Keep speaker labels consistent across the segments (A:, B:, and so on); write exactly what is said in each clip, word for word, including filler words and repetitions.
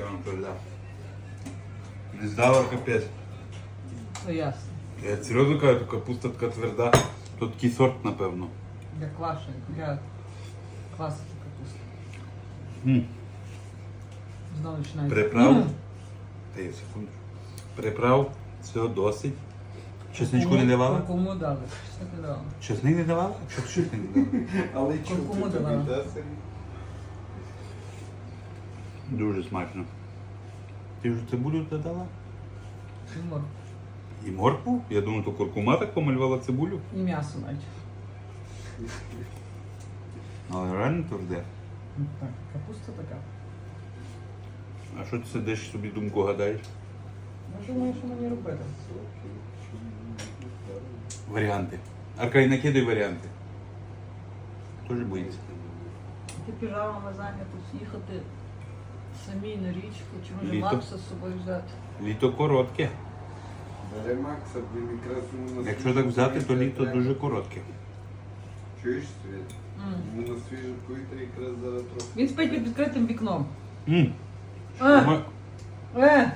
A: вона тверда. Не здала капець.
B: Ну ясно.
A: Я серйозно кажу, то капуста така тверда. То такий сорт, напевно.
B: Для квашень, для квасити капусту.
A: М.
B: Знову починається.
A: Приправ.
B: М.
A: Та є секунду. Приправ, все досить. Чесничку
B: Куркуму-
A: не давала?
B: Куркуму дали. Чеснок не давала.
A: Чесник не давала? Що чесник не давала?
C: Але
B: Куркуму
C: чути
B: давала.
C: тобі, да, Сергій?
A: Дуже смачно. Ти вже цибулю додала?
B: Юмор.
A: І моркву? Я думаю, то куркума так помалювала цибулю.
B: І м'ясо навіть.
A: Але реально тверде.
B: Ну, Так, капуста така.
A: А що ти сидиш собі думку гадаєш?
B: Ну, думаю, що мені робити?
A: Варіанти. Аркадій, накидай варіанти. Тоже боїться.
B: Ти піжамами зайнятись їхати самі на річку, чи може
A: Літо.
B: Макса з собою взяти.
A: Літо коротке.
C: Бери Макса, блін, якраз йому на
A: Якщо
C: свіжу
A: так взяти, то
C: повітря
A: літо
C: треба.
A: дуже коротке.
C: Чуєш, Світ?
B: М.
C: Йому на свіже повітря якраз зараз трохи.
B: Він спить під відкритим вікном.
A: М.
B: Е,
A: Ми-
B: е.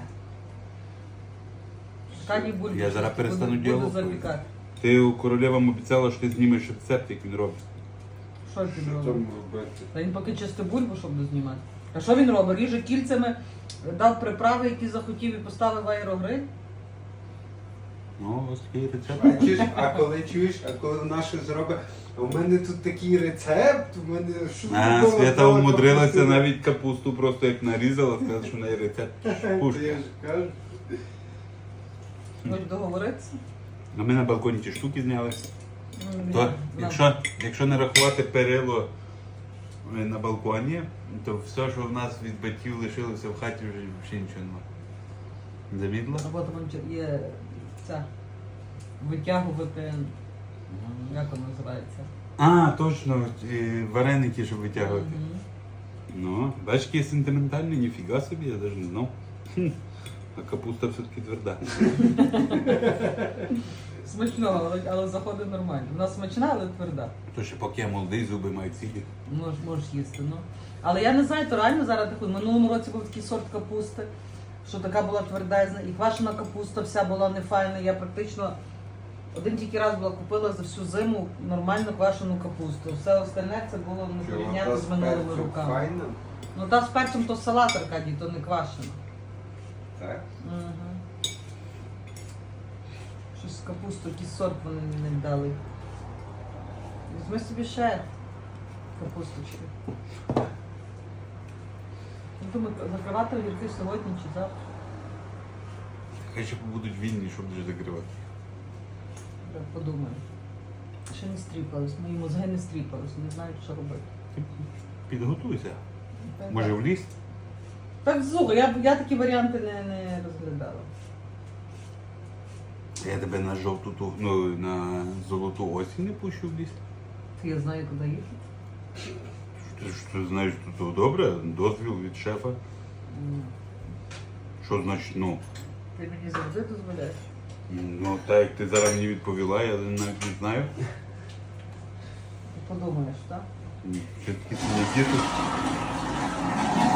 B: Аркадій Бульбіч.
A: Я зараз перестану
B: Буду-
A: діалог
B: Буду запікати.
A: Ти у королевам обіцяла, що ти знімеш рецепт, як він робить.
B: Що він
C: Що
B: робить?
C: там робити?
B: Та він поки чисто бульбу, щоб дознімати. А що він робить? Ріже кільцями, дав приправи, які захотів, і поставив в аерогриль.
A: Ну, ось такий рецепт.
C: Бачиш, а коли чуєш, а коли вона щось зробить, а у мене тут такий рецепт, у мене що
A: А,
C: такого
A: Свята
C: стало
A: умудрилася
C: капусту?
A: навіть капусту просто як нарізала, сказати, що в неї рецепт.
C: Та
A: Пушка.
C: я ж кажу.
B: Хочеш договоритися?
A: А ми на балконі ті штуки зняли.
B: Ну,
A: То,
B: нам-
A: якщо, якщо не рахувати перило е, на балконі, то все, що в нас від батьків лишилося в хаті, вже взагалі нічого немає. Замітила?
B: Робота є ця витягувати, як вона називається?
A: А, точно, е, вареники, щоб витягувати.
B: Мгм.
A: Ну, бачиш, який сентиментальний, ніфіга собі, я навіть не знав. Хм. А капуста все-таки тверда.
B: Смачно, але, але заходить нормально. Вона смачна, але тверда.
A: То ще поки я молодий, зуби мають сіді.
B: Можеш, можеш їсти, ну. Але я не знаю, то реально зараз такий. В минулому році був такий сорт капусти, що така була твердезна, і квашена капуста вся була нефайна. Я практично один тільки раз була купила за всю зиму нормальну квашену капусту. Все остальне це було не
C: Чого,
B: порівняти
C: та
B: з минулими
C: перцем
B: роками.
C: файна?
B: Ну та з перцем то салат, Аркадій, то не квашена.
C: Так?
B: Угу. Щось з капусту, якийсь сорт вони не дали. Візьми собі ще капусточки. Ну, думаю, закривати огірки сьогодні чи завтра.
A: Хай ще будуть вільні, щоб вже закривати.
B: Я подумаю. Ще не стріпались, мої мозги не стріпались, не знають, що робити.
A: Ти підготуйся.
B: Так,
A: Може
B: так.
A: в ліс?
B: Так, слухай, я, я такі варіанти не, не розглядала.
A: Я тебе на жовту, ту- ну, на золоту осінь не пущу в ліс.
B: Я знаю, куди їхати.
A: Ти ж ти знаєш, що то добре, дозвіл від шефа.
B: М.
A: Що значить, ну?
B: Ти мені завжди дозволяєш.
A: Ну, так як ти зараз мені відповіла, я навіть не знаю.
B: Ти подумаєш, так?
A: Ні, все-таки це не діти.